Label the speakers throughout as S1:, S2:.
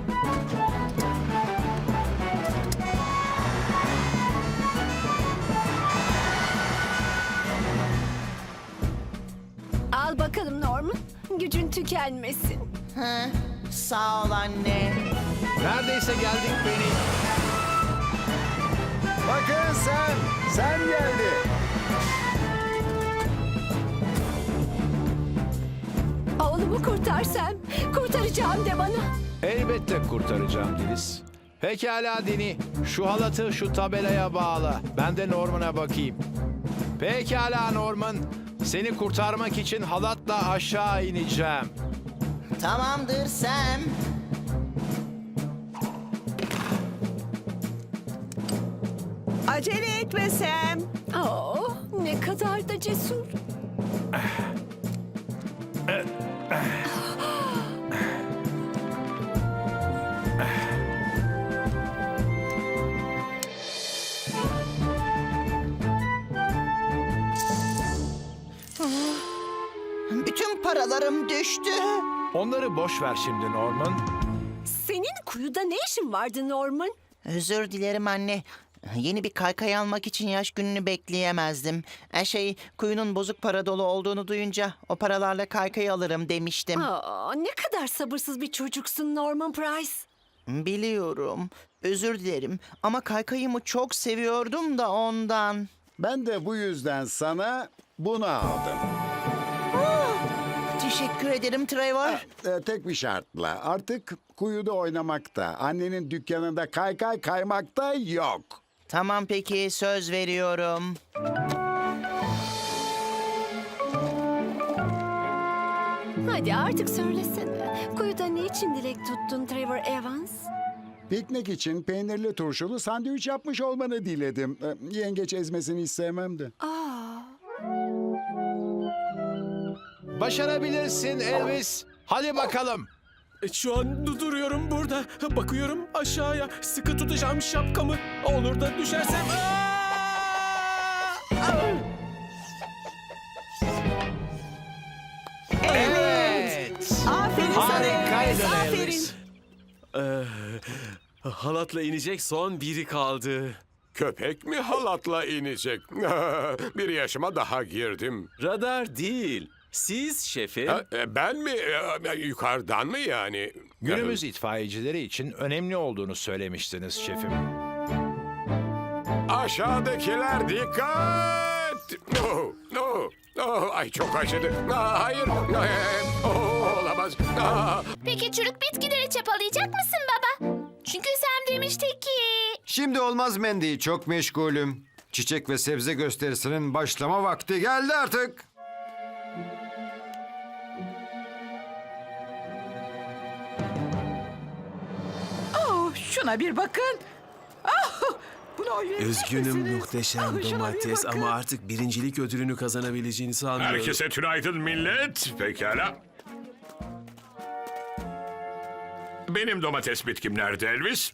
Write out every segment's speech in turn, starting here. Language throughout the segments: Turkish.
S1: Al bakalım Norman. Gücün tükenmesin.
S2: Hı, sağ ol anne.
S3: Neredeyse geldik Penny.
S4: Bakın Sam geldi.
S1: Oğlumu kurtarsam, kurtaracağım de bana.
S3: Elbette kurtaracağım Deniz. Pekala Dini. Şu halatı şu tabelaya bağla. Ben de Norman'a bakayım. Pekala Norman. Seni kurtarmak için halatla aşağı ineceğim.
S2: Tamamdır Sam.
S5: Acele etme Sam.
S1: Oh, ne kadar da cesur.
S2: Bütün paralarım düştü.
S3: Onları boş ver şimdi Norman.
S1: Senin kuyuda ne işin vardı Norman?
S2: Özür dilerim anne. Yeni bir kaykay almak için yaş gününü bekleyemezdim. Kuyunun bozuk para dolu olduğunu duyunca o paralarla kaykay alırım demiştim.
S1: Aa, ne kadar sabırsız bir çocuksun Norman Price.
S2: Biliyorum. Özür dilerim ama kaykayımı çok seviyordum da ondan.
S4: Ben de bu yüzden sana bunu aldım.
S2: Teşekkür ederim Trevor.
S4: Tek bir şartla. Artık kuyuda oynamakta, annenin dükkanında kaykay kaymakta yok.
S2: Tamam peki söz veriyorum.
S1: Hadi artık söylesene. Kuyuda ne için dilek tuttun Trevor Evans?
S4: Piknik için peynirli turşulu sandviç yapmış olmanı diledim. Yengeç ezmesini hiç sevmem de.
S1: Aa,
S3: Başarabilirsin Elvis. Hadi bakalım.
S6: Şu an duruyorum burada. Bakıyorum aşağıya. Sıkı tutacağım şapkamı. Olur da düşersem...
S3: Evet.
S5: Aferin sana.
S3: Harikaydın
S5: Aferin.
S3: Elvis.
S6: Halatla inecek son biri kaldı.
S7: Köpek mi halatla inecek? Bir yaşıma daha girdim.
S6: Radar değil. Siz şefim.
S7: Ben mi? Yukarıdan mı yani?
S3: Günümüz itfaiyecileri için önemli olduğunu söylemiştiniz şefim.
S7: Aşağıdakiler dikkat! Oh, oh, oh, ay çok acıdı. Hayır. Olamaz.
S8: Peki çürük bitkileri çapalayacak mısın baba? Çünkü Sam demişti ki...
S9: Şimdi olmaz Mandy, çok meşgulüm. Çiçek ve sebze gösterisinin başlama vakti geldi artık.
S5: Oh, şuna bir bakın. Ah, bunu oynayacak
S6: Üzgünüm
S5: mısınız?
S6: muhteşem
S5: Ah, şuna bir
S6: domates
S5: bakın.
S6: ama artık birincilik ödülünü kazanabileceğini sanmıyorum.
S7: Herkese tünaydın millet. Pekala. Benim domates bitkim nerede Elvis?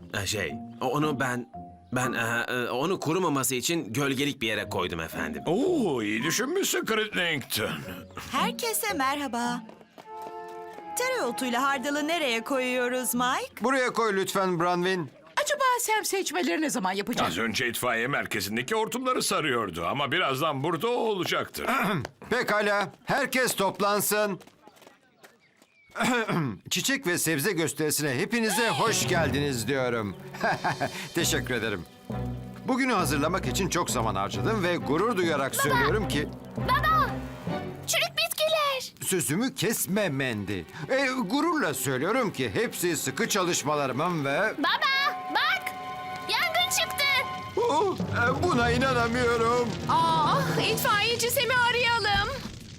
S6: Onu kurumaması için gölgelik bir yere koydum efendim.
S7: Oo, iyi düşünmüşsün Crittenden.
S5: Herkese merhaba. Tereotuyla hardalı nereye koyuyoruz Mike?
S9: Buraya koy lütfen Branwyn.
S5: Acaba Sam seçmeleri ne zaman yapacak?
S7: Az önce itfaiye merkezindeki hortumları sarıyordu ama birazdan burada o olacaktır.
S9: Pekala, herkes toplansın. Çiçek ve sebze gösterisine hepinize hoş geldiniz diyorum. Teşekkür ederim. Bugünü hazırlamak için çok zaman harcadım ve gurur duyarak söylüyorum ki...
S8: Baba! Çürük bitkiler!
S9: Sözümü kesme Mandy. Gururla söylüyorum ki hepsi sıkı çalışmalarımın ve...
S8: Baba! Bak! Yangın çıktı!
S9: Buna inanamıyorum.
S8: İtfaiyeci Sam'i arayalım.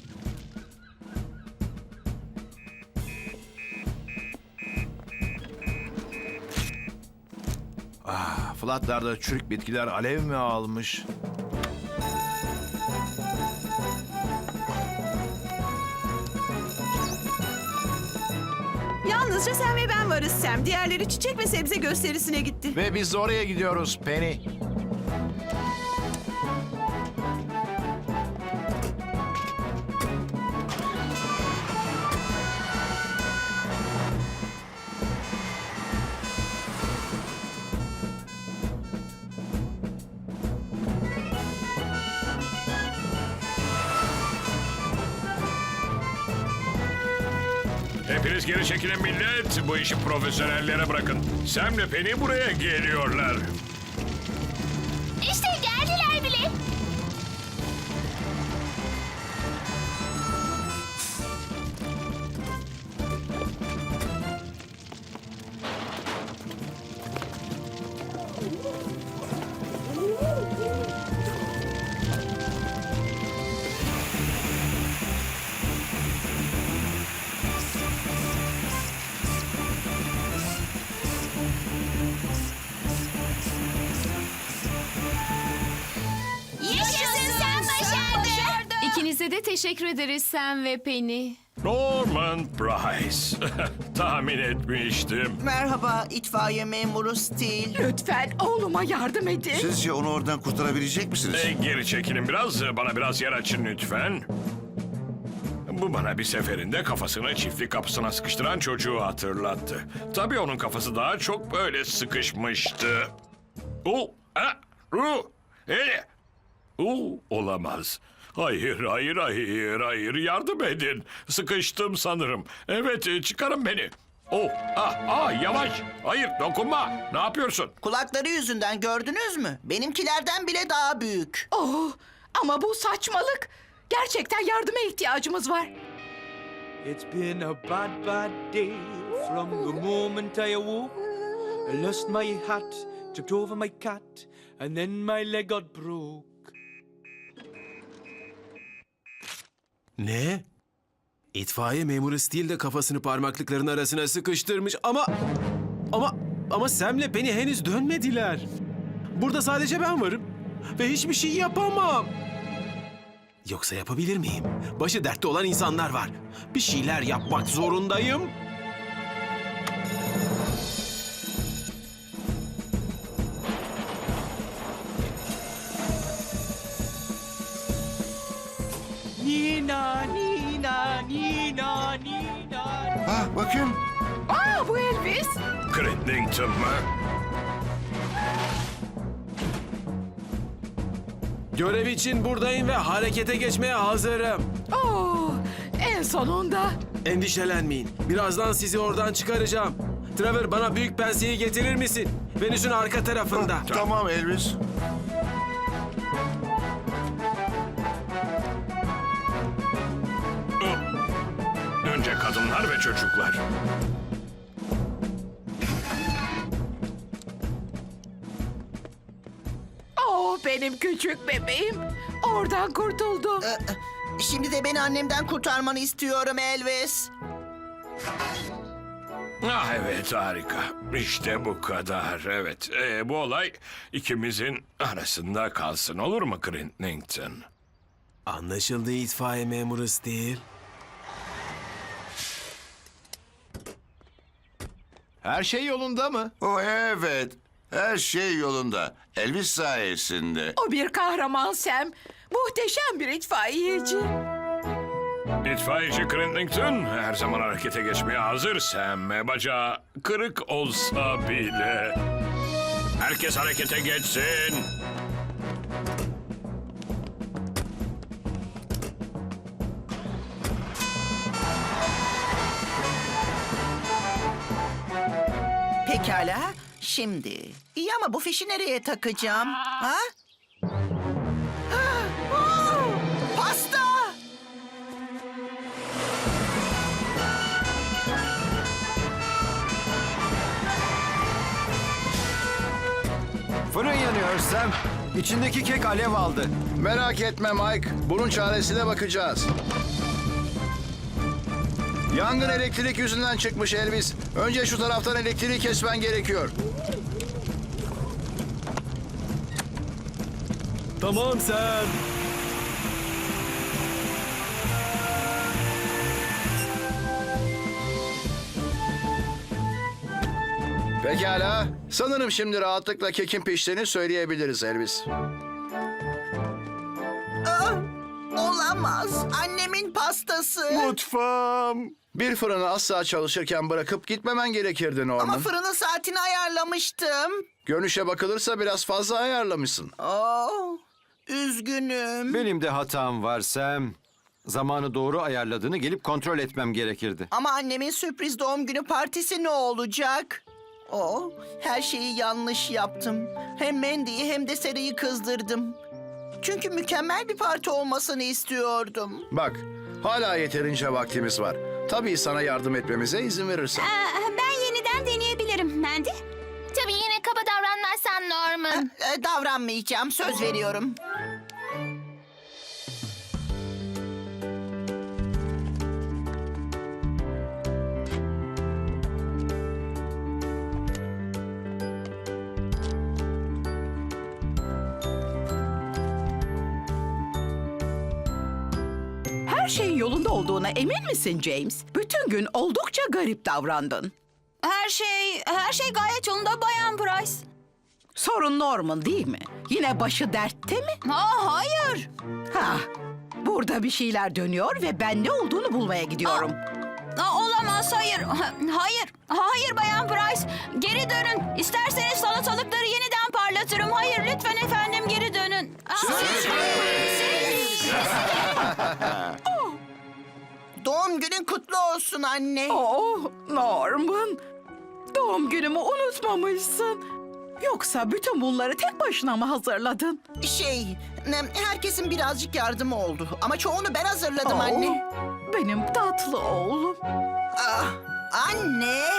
S3: Flatlarda çürük bitkiler alev mi almış?
S5: Yalnızca sen ve ben varız Sam. Diğerleri çiçek ve sebze gösterisine gitti.
S3: Ve biz de oraya gidiyoruz Penny.
S7: Hepiniz geri çekilin millet. Bu işi profesyonellere bırakın. Sam'le Penny buraya geliyorlar.
S8: İşte geldiler bile. Yaşasın, sen başardın.
S1: İkinize de teşekkür ederiz Sam ve Penny.
S7: Norman Price. Tahmin etmiştim.
S2: Merhaba itfaiye memuru Steel.
S5: Lütfen oğluma yardım edin.
S10: Sizce onu oradan kurtarabilecek misiniz?
S7: Geri çekilin biraz. Bana biraz yer açın lütfen. Bu bana bir seferinde kafasını çiftlik kapısına sıkıştıran çocuğu hatırlattı. Tabii onun kafası daha çok böyle sıkışmıştı. Olamaz. Hayır. Yardım edin. Sıkıştım sanırım. Evet, çıkarın beni. Yavaş. Hayır, dokunma. Ne yapıyorsun?
S2: Kulakları yüzünden gördünüz mü? Benimkilerden bile daha büyük.
S5: Oh, ama bu saçmalık. Gerçekten yardıma ihtiyacımız var.
S6: It's been a bad, bad day from the moment I awoke. I lost my hat, tripped over my cat, and then my leg got broke. Ne? İtfaiye memuru Steel de kafasını parmaklıkların arasına sıkıştırmış ama Sam'le Penny henüz dönmediler. Burada sadece ben varım ve hiçbir şey yapamam. Yoksa yapabilir miyim? Başı dertte olan insanlar var. Bir şeyler yapmak zorundayım. Nina.
S10: Bakın.
S5: Bu Elvis.
S7: Crittington mı?
S6: Görev için buradayım ve harekete geçmeye hazırım.
S5: Oh, en sonunda.
S6: Endişelenmeyin. Birazdan sizi oradan çıkaracağım. Trevor, bana büyük penseyi getirir misin? Venüs'ün arka tarafında.
S10: Tamam Elvis.
S7: Önce kadınlar ve çocuklar.
S5: Oh, benim küçük bebeğim. Oradan kurtuldu.
S2: Şimdi de beni annemden kurtarmanı istiyorum Elvis.
S7: Evet, harika. İşte bu kadar. Evet, bu olay ikimizin arasında kalsın, olur mu Crittington?
S6: Anlaşıldı itfaiye memuru Steel.
S3: Her şey yolunda mı?
S10: Evet. Her şey yolunda. Elvis sayesinde.
S5: O bir kahraman Sam. Muhteşem bir itfaiyeci.
S7: İtfaiyeci Crittington her zaman harekete geçmeye hazır Sam. Bacağı kırık olsa bile. Herkes harekete geçsin.
S2: Pekala. Şimdi. İyi ama bu fişi nereye takacağım? Ha? Pasta!
S9: Fırın yanıyor Sam. İçindeki kek alev aldı.
S3: Merak etme Mike. Bunun çaresine bakacağız. Yangın elektrik yüzünden çıkmış Elvis. Önce şu taraftan elektriği kesmen gerekiyor.
S6: Tamam sen.
S3: Pekala. Sanırım şimdi rahatlıkla kekin piştiğini söyleyebiliriz Elvis.
S2: Olamaz. Annemin pastası.
S3: Mutfağım. Bir fırını asla çalışırken bırakıp gitmemen gerekirdi Norman.
S2: Ama fırının saatini ayarlamıştım.
S3: Görünüşe bakılırsa biraz fazla ayarlamışsın.
S2: Oh, üzgünüm.
S9: Benim de hatam var Sam. zamanı doğru ayarladığını gelip kontrol etmem gerekirdi.
S2: Ama annemin sürpriz doğum günü partisi ne olacak? Her şeyi yanlış yaptım. Hem Mandy'yi hem de Sarah'yı kızdırdım. Çünkü mükemmel bir parti olmasını istiyordum.
S3: Bak, hala yeterince vaktimiz var. Tabii sana yardım etmemize izin verirsen.
S1: Ben yeniden deneyebilirim Mandy.
S8: Tabii yine kaba davranmazsan Norman.
S2: Davranmayacağım, söz veriyorum.
S5: Her şeyin yolunda olduğuna emin misin James? Bütün gün oldukça garip davrandın.
S1: Her şey gayet yolunda Bayan Price.
S5: Sorun Norman değil mi? Yine başı dertte mi?
S1: Hayır.
S5: Burada bir şeyler dönüyor ve ben ne olduğunu bulmaya gidiyorum.
S1: Olamaz, hayır. Hayır Bayan Price. Geri dönün. İsterseniz salatalıkları yeniden parlatırım. Hayır, lütfen efendim geri dönün.
S2: Doğum günün kutlu olsun anne.
S5: Norman. Doğum günümü unutmamışsın. Yoksa bütün bunları tek başına mı hazırladın?
S2: Herkesin birazcık yardımı oldu. Ama çoğunu ben hazırladım anne.
S5: Benim tatlı oğlum.
S2: Anne!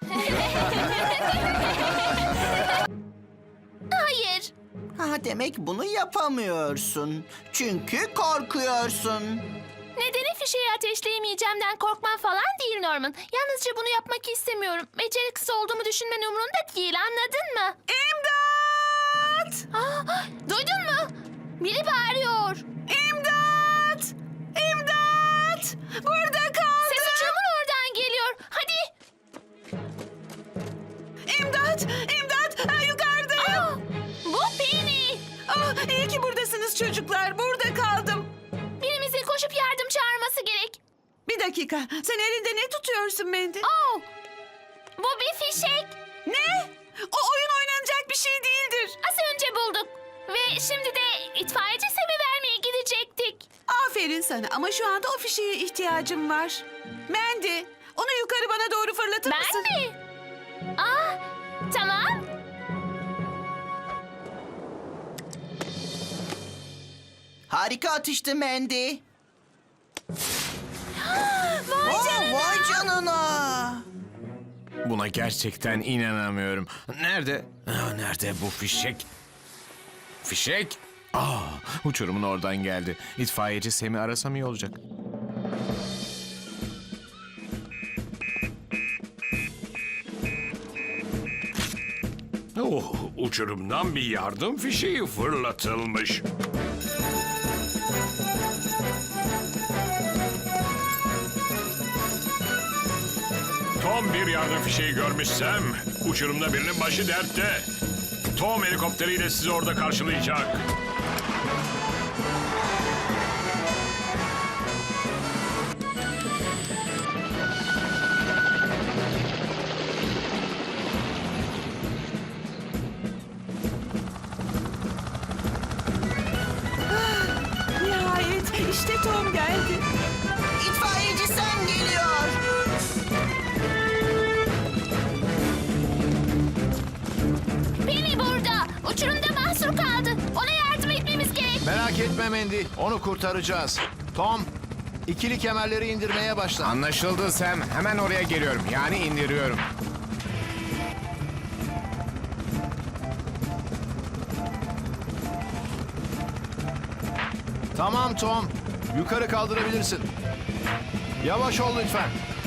S8: Hayır.
S2: Demek bunu yapamıyorsun. Çünkü korkuyorsun.
S8: Nedeni fişeği ateşleyemeyeceğimden korkman falan değil Norman. Yalnızca bunu yapmak istemiyorum. Beceriksiz olduğumu düşünmen umurunda değil, anladın mı?
S5: İmdat!
S8: Duydun mu? Biri bağırıyor.
S5: İmdat! İmdat! Burada kaldım.
S8: Ses uçurumun oradan geliyor. Hadi.
S5: İmdat! İmdat! Yukarıdayım.
S8: Bu Penny.
S5: İyi ki buradasınız çocuklar. Burada kaldım.
S8: Birimizin koşup yardım çağırması gerek.
S5: Bir dakika. Sen elinde ne tutuyorsun Mandy?
S8: Bu bir fişek.
S5: Ne? O oyun oynanacak bir şey değildir.
S8: Az önce bulduk. Ve şimdi de itfaiyeci Sam'e vermeye gidecektik.
S5: Aferin sana ama şu anda o fişeğe ihtiyacım var. Mandy, onu yukarı bana doğru fırlatır mısın?
S8: Ben mi? Tamam.
S2: Harika atıştı Mandy.
S8: Vay
S2: Vay canına.
S3: Buna gerçekten inanamıyorum. Nerede? Nerede bu fişek? Fişek? Uçurumun oradan geldi. İtfaiyeci Sam'i arasam iyi olacak.
S7: Uçurumdan bir yardım fişeği fırlatılmış. Tom bir yardım fişeği görmüşsem, uçurumda birinin başı dertte. Tom helikopteriyle sizi orada karşılayacak.
S5: Nihayet işte Tom geldi.
S2: İtfaiyeci Sam geliyor.
S8: Penny burada. Uçurumda mahsur kaldı. Ona yardım etmemiz gerek.
S3: Merak etme Mandy, onu kurtaracağız. Tom, ikili kemerleri indirmeye başla. Anlaşıldı Sam, hemen oraya geliyorum. Yani indiriyorum. Tamam Tom, yukarı kaldırabilirsin. Yavaş ol lütfen.